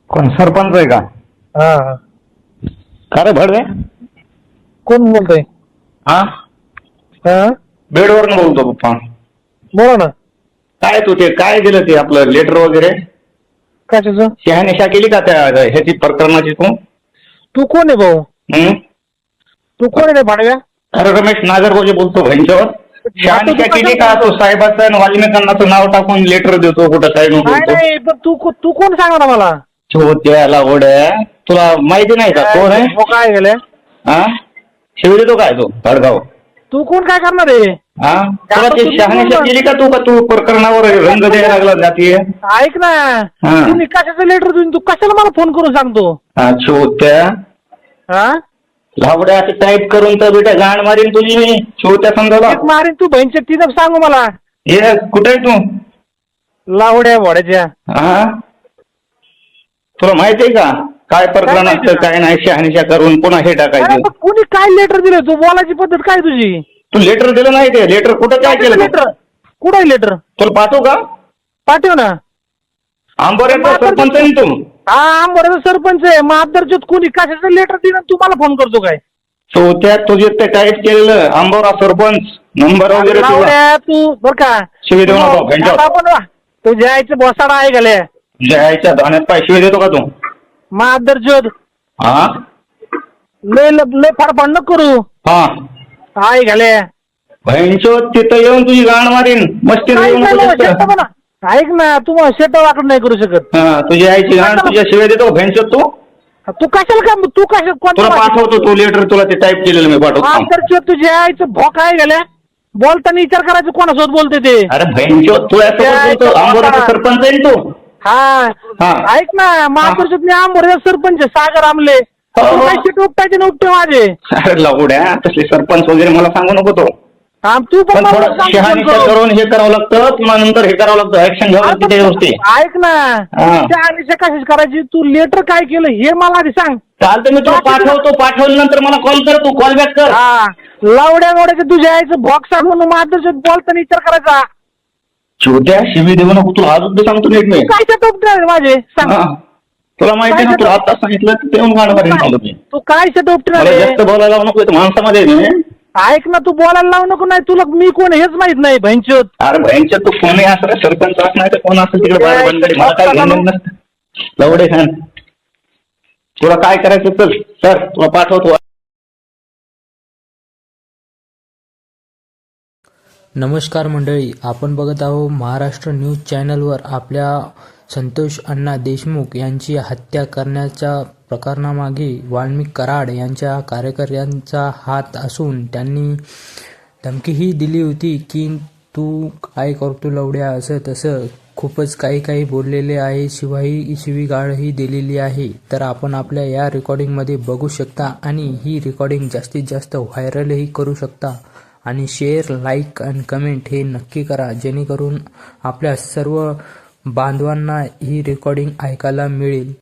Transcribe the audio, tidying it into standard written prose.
कोण सरपंच आहे का? हा हा. का रे भडवे? कोण बोलतोय? हा, हा, बेडवरून बोलतो पप्पा. बोला ना. काय तू ते काय दिलं ते आपलं लेटर वगैरे कशाचं? शहानिशा केली का त्या ह्याची प्रकरणाची तू? तू कोण आहे भाऊ? हं? तू कोण आहे रे भाडव्या? अरे रमेश नागरगोजे बोलतो भैंच्यावर. शहानिशा केली का तो साहेबाचं आणि वाल्मिकांनाचं नाव टाकून लेटर देतो कुठं काय नको नाही बोलतो? नाही, पण तू कोण सांगा ना मला. त्याला ओढ्या तुला माहिती नाही का कोण आहे? काय गेले? हा, शिव देतो काय तो भडगाव? तू कोण काय करणार आहे? हा, तुला ते शहानिशा केली का तू प्रकरणावर रंग द्यायला लागला जातीय? ऐक ना, हा. तुम्ही कशाचं लेटर देऊन तू कशाला मला फोन करून सांगतो? हा, छोट्या हा, लावड्या टाईप करून तर बेटा गाण मारीन तुझी मी छोट्या समजावला. एक मारीन तू बहिणच्या तिथं सांगू मला. ये कुठे आहे तू? लावड्या भोड्याच्या. हा, तुला माहिती आहे का काय प्रकरण माहिती असतं काय नाही? शहानिशा करून पुन्हा हे अरे टाकायचं. पण कोणी काय लेटर दिलं? तू बोलायची पद्धत काय तुझी? तू लेटर दिलं नाही ते लेटर कुठं काय केलं? लेटर कुठं आहे लेटर? तुला पाठवू का? पाठव ना. आंबोऱ्याचा सरपंच आहे ना तू? हा, बरोबर सरपंच आहे. मग आदरच्यात कोणी कशाचं लेटर दिलं तू मला फोन करतो काय? त्या तुझे ते टाईप केलेलं आंबोरा सरपंच नंबर वगैरे तुला लावड्या तू बर का शिवी देऊ नको भैंच्यावर. आपण तुझ्या आईचं बोसाडा आहे गेले. जायच्या धाण्यात पाय शिवी देतो का तू? मग आदरच्यात हा लय फाडफाड नको करू. हा, आहे गेले. भैंचो तिथं येऊन तुझी गाण मारीन मस्ती येऊ नको तिथं. ऐक ना, तू शेट वाटत नाही करू शकत. हा, तुझी आईची गाण तुझ्या शिवाय देतो भैंचो तू. तू कशाला का तू कशा तुला पाठवतो तू लेटर तुला ते टाईप केलेलं मी पाठवतो. आदरच्यात तुझ्या आईचं भोक आहे गेल्या. बोलताना विचार करायचं कोणासोबत बोलते ते. अरे भैंचो तू बोलतो आंबोऱ्याचा सरपंच आहे ना तू? हा, हा. ऐक ना, महापुरुषात मी आंबोऱ्याचा सरपंच आहे, सागर आमले. हो. तू काय शेट उपटायचे ना उपटे माझे. अरे लावड्या तसले सरपंच वगैरे मला सांगू नको तो. हा, तू पण मला थोडं सांग शहानिशा फोन करून. करून हे करावं लागतं पुन्हा नंतर हे करावं लागतं ऍक्शन घ्यावं लागतं त्या गोष्टी. ऐक ना, हा. त्या आनिशा कशाच करायची? तू लेटर काय केलं हे मला आधी सांग. चालतं मी तुला पाठवतो पाठवल्यानंतर मला कॉल कर तू कॉल बॅक कर. हा, लावड्या गोड्याचं तुझ्या आईचं बॉक्स म्हणून मार्गदर्शन बोलताना विचार करायचा. छोट्या शिवी देऊ नको तुला अजून सांगतो नीट मी. काय शेट उपटे माझे सांग. हा. तुला माहिती आहे ना तुला आता सांगितलं तर ते गाणं मारीन मला मी. तू काय शेट उपटे मला जास्त बोलायला लावू नको इथं माणसामध्ये आहे मी. ऐक ना, तू बोलायला लावू नको. नाही तुला मी कोण हेच माहित नाही भैंचोत. अरे भैंच्या तू कोणी असं सरपंच असं नाही तर कोण असेल तिकडे बाहेर बंदरी मला काय घेणं नसतं. लवडे खान तुला काय करायचं चल सर तुला पाठवतो. नमस्कार मंडळी, आपण बघत आहोत महाराष्ट्र न्यूज चॅनलवर. आपल्या संतोष अण्णा देशमुख यांची हत्या करण्याच्या प्रकरणामागे वाल्मिक कराड यांच्या कार्यकर्त्यांचा हात असून त्यांनी धमकीही दिली होती की तू काय करतो लवड्या, असं तसं खूपच काही बोललेले आहे. शिवीगाळही दिलेली आहे. तर आपण आपल्या या रेकॉर्डिंगमध्ये बघू शकता आणि ही रेकॉर्डिंग जास्तीत जास्त व्हायरलही करू शकता. आणि शेअर, लाईक आणि कमेंट हे नक्की करा, जेणेकरून आपल्या सर्व बांधवांना ही रेकॉर्डिंग ऐकायला मिळेल.